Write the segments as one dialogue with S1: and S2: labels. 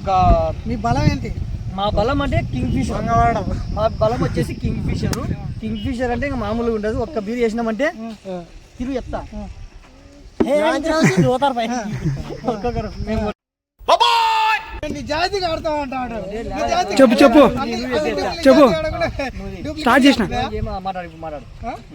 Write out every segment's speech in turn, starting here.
S1: ఒక
S2: మీ బలం ఏంటి?
S1: మా బలం అంటే కింగ్ ఫిషర్. మా బలం వచ్చేసి కింగ్ ఫిషర్. కింగ్ ఫిషర్ అంటే ఇంకా మామూలుగా ఉండదు. ఒక్క బీర్ చేసినామంటే తిరుగు ఎత్తా
S2: జాతిగా ఆడుతా ఉంటాడు.
S3: చెప్పు చెప్పు చెప్పు స్టార్ట్ చేసిన
S1: మాట్లాడు.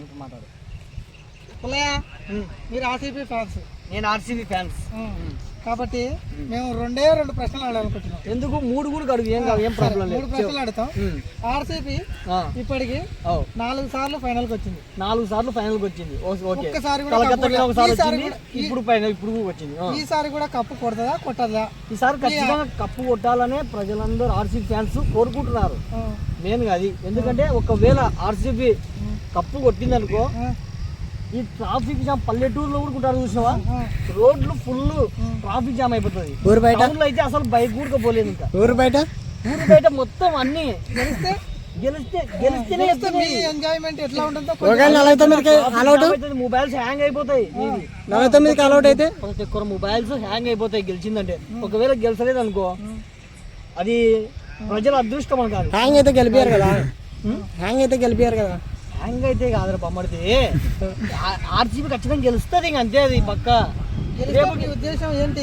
S2: మీరు ఆర్సీబీ ఫ్యాన్స్,
S1: నేను ఆర్సీబీ ఫ్యాన్స్
S2: కాబట్టి మేము రెండు ప్రశ్నలు ఆడాలనుకుంటున్నాం.
S1: ఎందుకు 3 కూడా అడుగు, ఏం ప్రాబ్లం లేదు.
S2: 3 ప్రశ్నలు ఆడతాం. ఆర్సీబీ ఇప్పటికి 4 సార్లు ఫైనల్ కి వచ్చింది.
S1: 4 సార్లు ఫైనల్ కి వచ్చింది.
S2: ఒక్కసారి
S1: ఇప్పుడు ఫైనల్ ఇప్పుడు వచ్చింది.
S2: ఈసారి కూడా కప్పు కొడతదా కొట్టదా?
S1: ఈసారి ఖచ్చితంగా కప్పు కొట్టాలనే ప్రజలందరూ ఆర్సీబీ ఫ్యాన్స్ కోరుకుంటున్నారు. మెయిన్ గా అది. ఎందుకంటే ఒకవేళ ఆర్సీబీ కప్పు కొట్టిందనుకో, ఈ ట్రాఫిక్ జామ్ పల్లెటూరులో కూడా ఉంటారు చూసినావా, రోడ్లు ఫుల్ ట్రాఫిక్ జామ్ అయిపోతుంది. టౌన్లో అయితే అసలు బైక్ కూడా పోలేదు. ఇంకా ఊరు బయట మొత్తం అన్ని గెలిస్తేనే
S2: ఎంజాయ్మెంట్ ఎట్లా ఉంటుందో.
S1: మొబైల్స్ హ్యాంగ్ అయిపోతాయి. ప్రతి ఒక్కరు మొబైల్స్ హ్యాంగ్ అయిపోతాయి గెలిచిందంటే. ఒకవేళ గెలిచలేదు అనుకో, అది ప్రజల అదృష్టం అని కాదు.
S3: హ్యాంగ్ అయితే గెలిపారు కదా.
S1: హ్యాంగ్ అయితే కాదురా బొమ్మడితే, ఆర్సీబీ ఖచ్చితంగా గెలుస్తుంది. ఇంక అంతే, అది పక్క.
S2: ఉద్దేశం ఏంటి?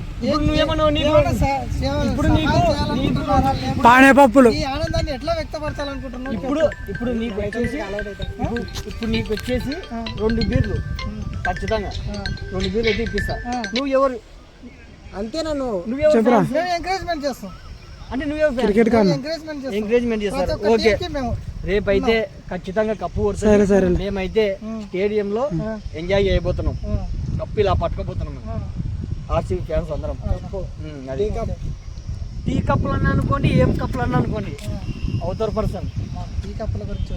S3: పానేపప్పులు
S2: ఈ ఆనందాన్ని ఎట్లా వ్యక్తపరచాలనుకుంటున్నావు?
S1: ఇప్పుడు నీకు వచ్చేసి 2 బీర్లు ఖచ్చితంగా 2 బీర్లు అయితే ఇప్పిస్తా. నువ్వు ఎవరు
S3: అంతేనా?
S2: ఎంకరేజ్మెంట్ చేస్తాం
S1: అంటే ఎంకరేజ్మెంట్ చేస్తారు. ఓకే, రేపైతే ఖచ్చితంగా కప్పు కొడుతుంది. మేమైతే స్టేడియంలో ఎంజాయ్ చేయబోతున్నాం. కప్పు ఇలా పట్టుకోబోతున్నాం ఆర్సీబీ ఫ్యాన్స్ అందరం. టీ కప్పులు అన్నా అనుకోండి, ఏం కప్పులు అన్నా అనుకోండి, అవుతారు పర్సన్.
S2: టీ కప్పుల గురించి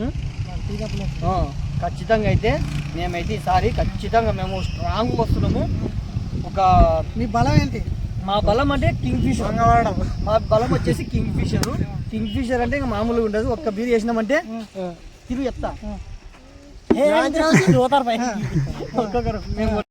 S1: ఖచ్చితంగా అయితే మేమైతే ఈసారి ఖచ్చితంగా మేము స్ట్రాంగ్ వస్తున్నాము.
S2: మీ బలం ఏంటి?
S1: మా బలం అంటే కింగ్ ఫిషర్. మా బలం వచ్చేసి కింగ్ ఫిషర్. కింగ్ ఫిషర్ అంటే ఇంకా మామూలుగా ఉండదు. ఒక్క బీర్ చేసినామంటే తిరుగు ఎత్తా